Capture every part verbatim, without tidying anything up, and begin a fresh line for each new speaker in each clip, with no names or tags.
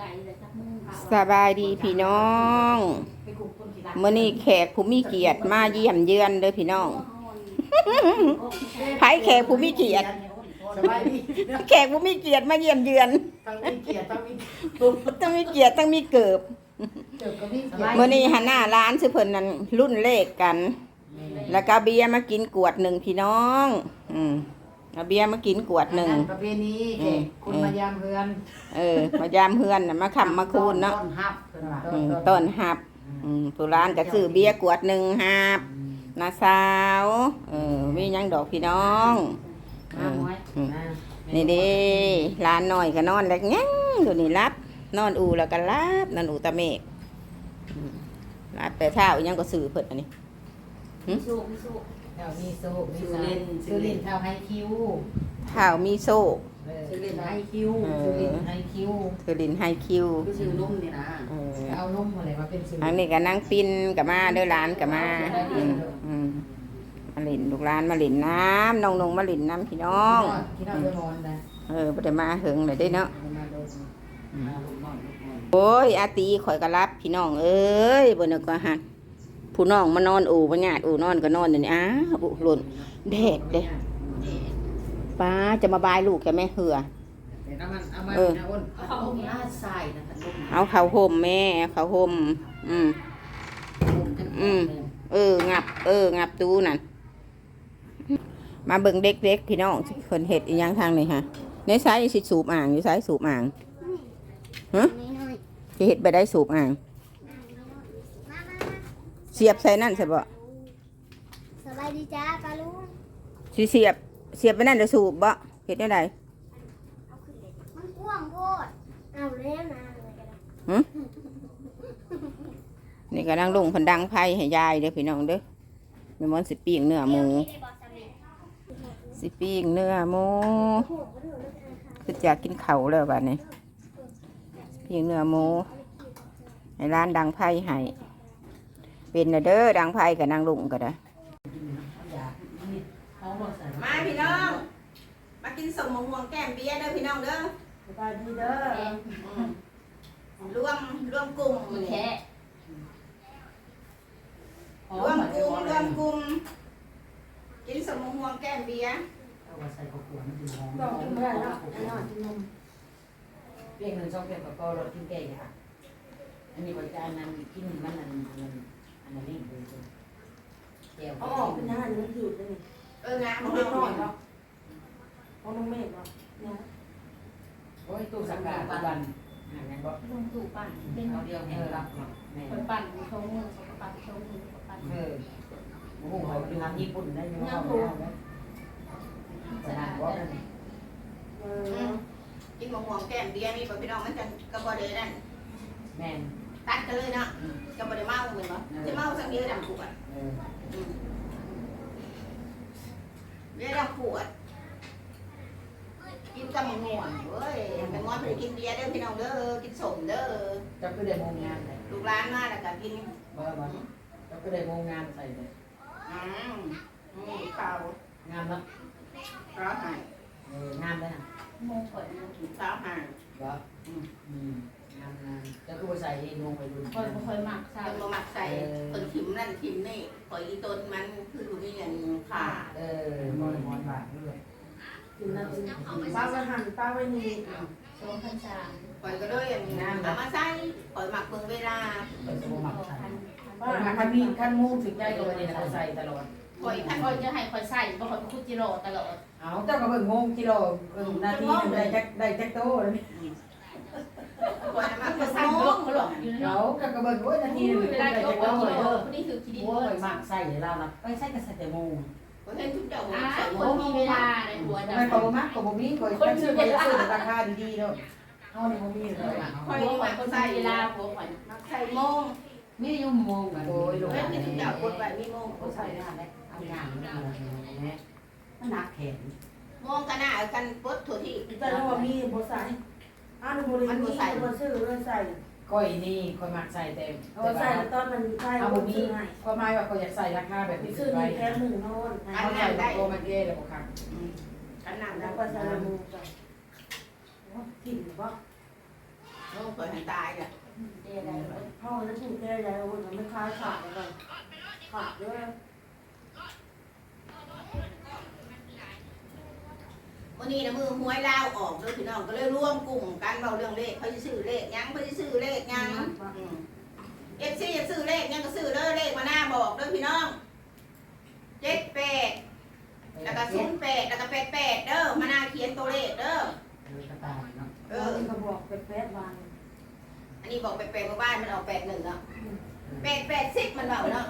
สบายดีพี่น้องมื้อนี้แขกผู้มีเกียรติมาเยี่ยมเยือนเด้อพี่น้องไผแขกผู้มีเกียรติแขกผู้มีเกียรติมาเยี่ยมเยือน
ตั้งมีเกียรติตั้งมี
ต้องมีเกียรติต้องมีเกิบมื้อนี้หันหน้าร้านซื้อเพิ่นนั่นรุ่นเลขกันแล้วก็เบียร์มากินกวดหนึ่งพี่น้องอืมเอาเบียร์มากินกวดหนึ่ง
ประเพณีคุณมายามเฮือน
เออมายามเฮือนน่ะมาค้ำมาคูนเนาะ
ต้นฮับ
ต้นฮับอืมผู้ร้านก็ซื้อเบียร์กวดหนึ่งฮับน้าสาวเออมีหยังดอกพี่น้องนี่เด้ร้านน้อยก็นอนแล้วยังอยู่นี่รับนอนอูแล้วก็รับนอนอูตะเมกรับแต่เช้ายังก็ซื้อเพิ่นอันนี้
มีโซ่มีโซ่เท้ามีโซ่มีเล่นซื้อเล่นเท้าไฮคิว
เท้ามีโซ่
ซื้อเล่นไฮคิวซื้อเล่นไฮคิว
ซื้อเล่นไฮคิว
ซื้อนุ่มนี่นะเอานุ่มอะไรมาเป็นซื้อ
อันนี้ก็นั่งปิ้นกับมาเด้อร้านกับมาอืมมาเล่นลูกร้านมาเล่นน้ำน้องนงมาเล่นน้ำพี่น้อง
พี่น้องจะนอนนะ
เออบ่ได้มาเหิงเลยได้เนาะโอ้ยอาตีข่อยก็รับพี่น้องเอ้ยบ่นึกว่าหั่นผู้น้องมานอนอู่บ่ญาติอู่นอนก็นอนเดี๋ยวนี้อ้าบุหล่นแดดเด้ป้าจะมาบายลูกแกแม่เหือเออเอาเขาห่มแม่เขาห่มอืมอืมเอองับเอองับตู้นั่นมาเบิ่งเด็กๆพี่น้องเพิ่นเฮ็ดอีหยังทางนี่ฮะในไสสิสูบอ่างอยู่ไสสูบอ่างฮะสิเฮ็ดไปได้สูบอ่างเสียบใส่นั่นใช่บ่
สบายดีจ้าปลาลุง
สิเสียบเสียบไปนั่นจะสูบบ่เฮ็ดได้ได
มันกว้างโพดเอาแล้วนะอะไรกัน
หึนี่ก็นั่งลงเพิ่นดังไผให้ยายเด้อพี่น้องเด้อแม่มอนสิปิ้งเนื้อหมูสิปิ้งเนื้อหมูคืออยากกินข้าวแล้วบัดนี้ปิ้งเนื้อหมูให้ร้านดังไผให้เป็นเด้อดังไผกับนางลุงก็ได้มาพี่น้องมากินสมมะม่วงแก้มเบียร์เด้อพี่น้องเด้อ
สบายดีเด้อ
รวมรวมกลุ่มแท้รวมกลุ่มรวมกลุ่มกินสมมะม่วงแก้มเบียร์
เอาใส่ข้าวขวดมันจะหอมลองกินได้แล้วอันนั้นกินนมเปรี้ยวหนึ่งสองเปรี้ยวกับก็รสกินแก่ค่ะอันนี้บริการนั้นกินมันนั่นมันอันนั้นนี่เลยแก้วอ๋อเป็นอาหารมันถือเลย
เอองา
มันน้อยเนาะเอาน้องเมฆเนาะเนี่ยโอ้ยตู้สังกัดวันหาเงินบ่
ลงตู้ปั่นเป็น
เอาเดียวเงินรับเนาะ
คนปั่นชงมือสองปั่นชงมือปั่น
เออโอ้โหเขาดูทำญี่ปุ่นได้ยังไงสนามว่า
เออกินมะม่วงแก้มเบียร์นี่พี่น้องมันจะกระบอกเดนั่น
แม่น
ตัดกันเลยเนาะกระบอกเดเมาเหมือนบ่จะเมาสักเดียวดำขวดเบียร์ดำขวดกินกับมะม่วงเว้ยแตงโมไปกินเบียร์เด้อพี่น้องเด้อกินสมเด้อ
จะคือได้โมงงานเลย
ลูกร้านมาแล้วก็กิน
บ่บ่จะคือได้โมงงานใส่เลย
อืมอืมข้าว
งานเนาะ
ข้าวหาย
เอองานได้ฮะ
โมงก่อน
กินข้าวหาย
เหรออืมอืมงานงานจะคือใส่เองลงไปดู
คอยคอยหมักใส่
มาหมักใส่คนทิมนั่นทิมนี่ปล่อยอีต้นมันคือมีอย่างขา
เออมอนมอนบาทด้วยกินนั่นป้าไปหั่นป้าไปนี่
สองพันสาม
ปล่อยก็ด้วยอย่างนี้นะเอามาใส่ปล่อยหมักเบิ่งเวลา
ปล่อยสมหมักใส่ป้าคันมีคันมูถึงใจก็วันนี้เราใส่ตลอด
คอยท่านคอยจะให้คอยใส่บ่คอยคุจิโร่ตลอด
เอาเจ้าก็เบิ่งโมงกิโลเบิ่งนาทีได้จักได้จักโตเลยนี่
คอยมาก็
ใส่
โม
งเขาหลอกอยู่
เนาะก็ก็เบิ่งโอ้ยนาทีนึง
เวลาเขาบอกว่าเออคนนี้คือคิดดี
โอ้ยมักใส่แล้วนะไปใส่ก็ใส่แต่โมง
ก็เห็นทุกเจ้า
ใส่คนมีเวลาในหัวจะ
ไม่ก็บ่มักก็บ่มีก็คนซื้อไปซื้อราคาดีๆเนาะเฮานี่บ่มีเลย
คอยว่าคนใส่เวลาหัวขวัญ
มักใส่โมง
มีอยู่โมงโอ้ยลง
เห็นทุกเจ้ากดไว้มีโมง
ก็ใส่ได้แหละเอาอย่างนี้แม่มันหนักแขน
โมงกันหน้ากันปดถั่วที่
แต่ว่ามีบ่ใส่อ้าวบ่ได้มีบ่ซื้อเลยใส่ก้อยนี่ก้อยมักใส่เต็ม
เอาใส่ตอนมันใส่
เอาบ่มีก็หมายว่าก็อยากใส่ราคาแบบนี้
ซื้อนี่แค่หนึ่งโน่น
อันนั้นได้โตมันเก้แล้วบ่ครับ
กันหนัง
แล้วก็ใส่มือกันถิ่นบ่
โอ้คข่อยหันตายเนี่ย
เจ๊ได้พ่อจะถูกเจ๊ได้โอ้ยมันไม่คล้ายขาดเลยขาดด้วย
วันนี้นะมือหวยลาวออกเลยพี่น้องก็เลยร่วมกลุ่มกันเบาเรื่องเลขเขาจะซื้อเลขยังเขาจะซื้อเลขยังเอฟซีจะซื้อเลขยังก็ซื้อเด้อเลขมาหน้าบอกเด้อพี่น้องเจ็ดแปดแล้วก็ศูนย์แปดแล้วก็แปดแปดเด้อมาหน้าเขียนตัวเลขเด้อ
เลยกระต่ายเนาะ
เอ
เอ
อ
อก็บอกเป็นแปดวัน
อันนี้บอกแปดแปดมาบ้านมันออกแปดหนึ่งเนาะแปดแปดสิบมันเบาเนาะ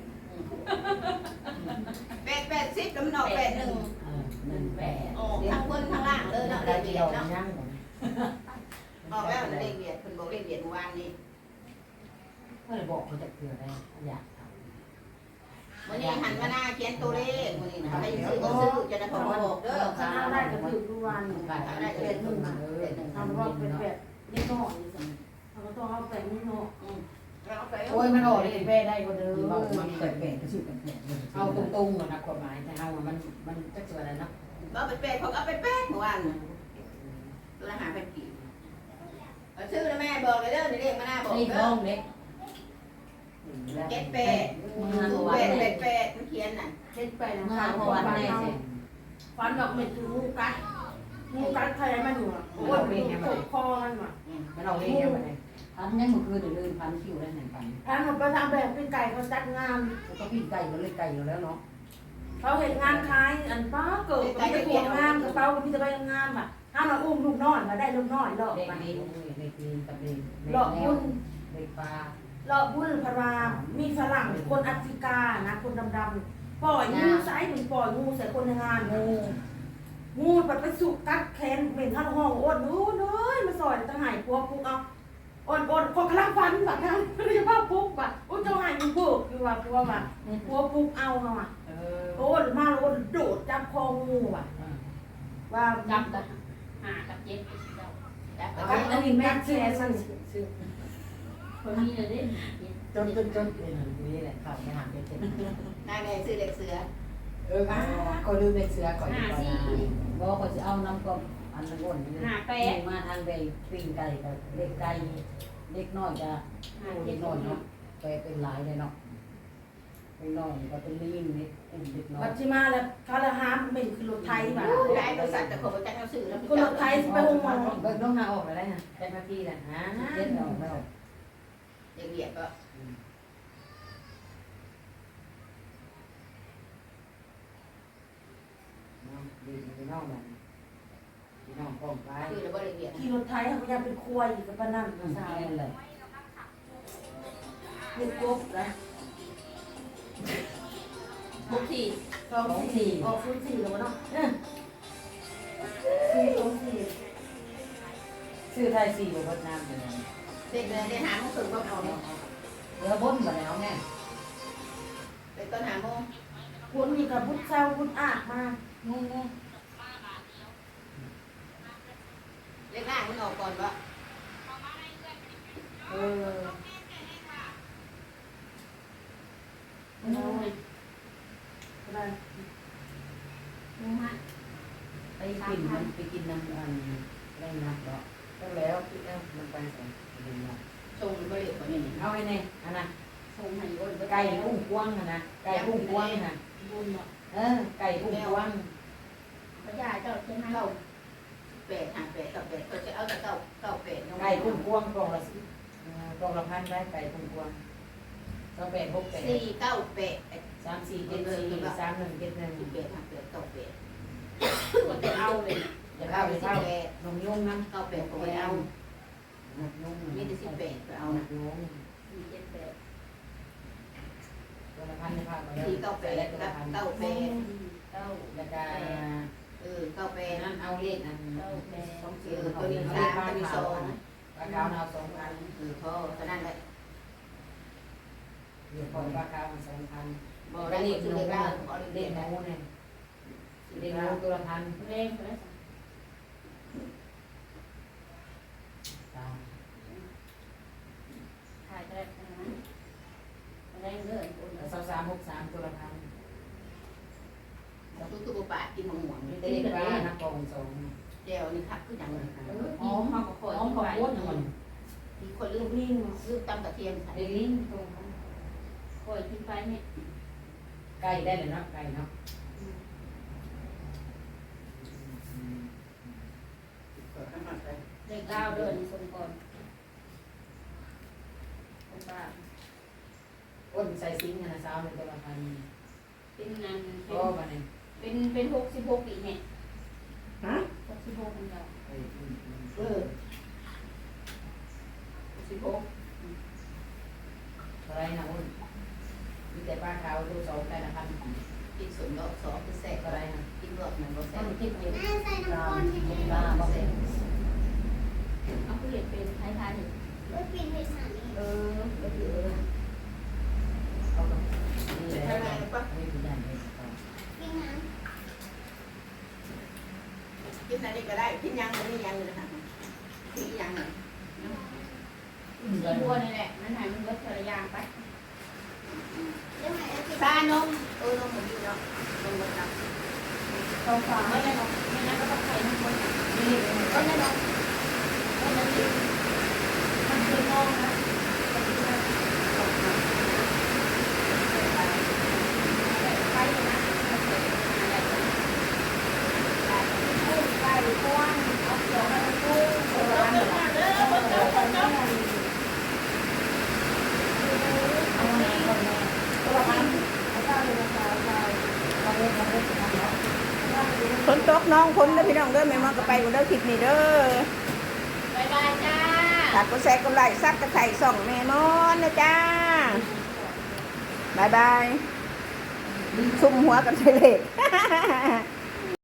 แปดแปดสิบแล้วมันออกแปดหนึ่ง
เออหนึ่งแปด
ออกทั้งบนทั้งล่างเลยเนาะเล
ได้
ขเบี
เดี
ย
ยว
ดเนาะ
ยัง
ออกแล้วเลขเบียดคุณบอกเลขเบียดเมื่อวานนี้
เมื่อบอกเขาจะเกลือได้อยากท
วันนี้หันมาหน้าเขียนตัวเลขวันนี้นะให้ซื้อก็ซื้อจะได้พอบอกเด้อ
ชนะได้ก็ถือทุกวัน
ำการ
ได้
ได้
เป็
เป็น
นห
ห
นึ่
นึ่
ง
ง
อ่ะ
เออ
ทำว่าเป็นเป็ดนี่น้อยเราก็ต้องเอาเป็ดนี่น้อย
โอ้ยมันออกเลยแม่ได้ก็เด้อมันเปิดแปดก็ชื่อแปดเอาตรงๆนะความหมายแต่เอามันมันจะเจออะไรเนาะ
ก็ไปเป็ดเขาก็ไปเป็ดเมื่อวานตัวอาหารเป็นกี่ชื่อนะแม่บอกเลยเด้อนี่เลขมาหน้าบอก
นี่
เด้
น้
อ
องเล็ก
เจ็ดแปดศูนย์แปดแปดแปดมันเขียนน่ะ
เจ็ดแปด
เมื่อ
นะคะ
วัน
ฟัน
แน่
เอา
สิ
ฟันดอกเม็ดคืองูกัดงูกัดใครมันอยู่อ่ะโอ้ยมันตกคอมันว่ะ
มันเอาเองยังไงพันยังมือคืนเดือนพันคิวได้ไหนพัน
ถ้าหนูไปทำแบบเป็นไก่เขาจัดงาน
ก็พี่ไก่ก็เลยไก่อยู่แล้วเนาะ
เขาเห็นงานคล้ายอันป้าเกิดกับพี่จะปวดงานกับเป้าพี่จะไปงานอ่ะถ้าเราอุ้มลูกน้อยมาได้ลูกน้อยหลอก
เด็ก
มา
ดีเด็กดีกับเด็ก
หลอกบุญ
เด็กปลา
หลอกบุญพรามมีฝรั่งคนแอฟริกานะคนดำๆปล่อยงูใส่เหมือนปล่อยงูใส่คนในงานงูงูแบบไปสุกกัดแขนเหม็นข้างห้องอ้วนนู้นเลยมาซอยจะหายปัวปุ๊กเอาอ่อนอ่อนคนกำลังฟันแบบนั้นไม่ใช่ว่าปุ๊กแบบอุ้ยเจ้าหายมันปุ๊กอยู่ว่าปัวแบบปัวปุ๊กเอาเขาอ่ะ
เออ
โอ้ยมาโอ้ยโดดจับคองูอ่ะว่า
จับกับหากับเจ็ดเจ้า
กับอันนี้แม่แชร์สั่น
คนนี้เลยเด้
จนจนจนเป็นนี่แหละข่าวไม่หางเป็นเต็ม
นายแม่ซื้อเด็กเสือ
เออก็ลืมเด็กเสือก่อนดีกว่าบอกเขาจะเอาน้ำกลมอันนั้นอ้วนนี่
หาแปด
มาทางใดปิ้งไก่กับเด็กไก่เด็กน้อยจะ
หา
เด็
เจ็ด
ก
ค
น้อย
น
เนาะไปเป็นหลายเลยเนาะเป็นน้อยก็เป็นลิงนี่อุ้มเด็กน้อ
วั
ย
ดชิมาแล้วเขาละหามเหม็นคือรถไทยแบบ
ได้บริษัทแต่คนประกันเอาซื้อแล้ว
ก็รถไทยไปหงมอง
เบิกน้องหาออกอะไรนะแจ้งหน้าที่แหละฮะเจ็ดออกแล้ว
เด็กเบียดก็
น้องดีพี่น้องแบบพี่น้องป้องไป
ซื้อแล้วก็เด็กเบียด
ขี่รถไทยเขาพยายามเป็นครัวอีกกับปนั่น
อื
ภาม ษา
แค่นั้นเลย
เด็กกบนะ
บุกที่
สองสี่ออกศูนย์สี่แล้วเนาะสี่สองสี่
ซื้อไทยสี่บนน้ำเลย
เด็กเลยได้หาโมงครึ่งก็เอาเนาะ
เรือบ้นมาแล้วแม่
เด็กตอนหาโมง
คุณมีกับพุทธเจ้าพุทธอากมาง
งง
เล็กล่างมันออกก่อนวะ
เออ
งูเลย
อะไร
งูฮะ
ไปกินมันไปกินน้ำอันได้นักแล้วก็แล้วคิดแล้วมันไปสองกินเนาะ
ส่งบริษัทคนนี้
เอาไอ้เนี่ยอันน่ะ
ส่งให้อ้น
ไก่กุ้งกวางนะไก่กุ้งกวางนะ
บุญเนาะ
เออไก่กุ้งกวาง
พระยาเจ้าเจ้าให้
เก้าแปดหาแปดกับแปดก็จะเอาแต่เก้าเก้าแปด
ไก่กุ้งกวางกล่องละสิกล่องละพันได้ไก่กุ้งกวางก็แปดหกแปด
สี่เก้าแปด
สามสี่เจ็ดสี่สามหนึ่งเจ็ดหนึ่ง
แปดหาแปดเก้าแปด
ก็จะเอาเลย
จะเข้าไปเข้านมยุ่งนะ
เก้าแปดก็ไปเอา
นมยุ่ง
มีแต่สิบแปดไป
เอา
เอา
น
นะ
มยุ่ง
สี่เจ็ดแปด
ตัวละพันในภาคมาแล้ว
สี่เก้าแปด
แล้ว
กั
ตัวละ
บ
พัน
เก้าแปด
เก้า
แล้วก็
เออเก้าแปด
นั่นเอาเลขอัน
เก้าแปด
สอง
เอ
สี่
อ
ตั
ตัว ว
นี้
นี้
สา
สาม ม
ตั
ตัว ว
นี้
นี้
ส
ส
อ
อง ง
ปลาขาวเอาสองพัน
เออพอตอนนั้นแหละ
เดี๋ยวพอปลาขาวมาสองพัน
บอก
ได้
ได้
เล
เล
ข
ข
หนู
เลข
เล
เก้า
ข
เอาเล
เล
ข
ข
เก้า
หนูเนี่ยเลขหนูตัวละพัน
เร่งไปแล้ว
ตาม
ถ่ายแต่นั้นเร่งเลยอ้น
แล้วสาวสามหกสามตัวละพัน
ทุกทุกปากินมะม่วง
มีแต่เลขปลานักกองสอง
เจลนี่ครับคืออย่างนั้น
เออหอมเขาก็คอย
น้องขอบคุณมัน
เ
มีคนลูกนิ่งลูกตำกระเทียมใส่
เด็กลิ้นตรง
ปล่อยทิ้งไปเนี่ย
ไก่ได้เลยเนาะไก่เนาะ
เด็กก้าวเดินสมก่อนคนบ้า
อ้นใส่ซิงค์นะสาวในตัวละพัน
เป็นงานเป็
โอ้
น
มาเนี่ย
เป็นเป็นหกสิบหกปีเนี่ย
ฮะ
หกสิบหกคนเดียว
เออ
หกสิบหก
อะไรนะอ้นมีแต่ป้าขาวดูสองแต่ละพัน
กินส่วนดอกสองคือแสก
อะไรนะ
กินดอกหนึ่งก็แส
ต้
ก
นคิดเอง
แม่ใส่น้ำก้อนให้
กิ
แม่
นบ้าบอกเอง
เอาผู้เห็นเป็นไทยทานอยู่
ไว้ปิดให้สามี
เออก็คือ
เอาไปนี่เลยนี่คืออย่างนี้
กินน้
กินอะไรก็ได้กินยังไม่ยังเลยนะคะกินยัง
สีบัวนี่แหละนั่นหายมันเบิดภรรยาไป
ำเดี๋ยวให้เอาไป
ชานมเออนมหมดอยู่เนาะนมหมดนะ
ทองฟ้าไม่ได้หรอกไม่งั้นก็ต้องใส่น้ำมัน
นี่
ก็นั่นหรอกก็นั่นเองมันคือมองนะไปนะ
ไก่ก้อนเอาเกี่ยวกับกุ้งโบราณเหรอ
เอาแม่ก่อนแม่
ตัวพันเอาเจ้าเลยนะคะเอาเจ้า
เอาเล่นเอาเล่นเอาเล่น
ฝนตกน้องฝนเด้อพี่น้องเด้อแม่มอนก็ไปบ่เด้อคลิปนี้เด้อบ
ายบายจ้า
ฝากกดแชร์กดไลค์ซับกระไข่ส่องแม่มอนนะจ้าบายบายซุ่มหัวกันไปเลย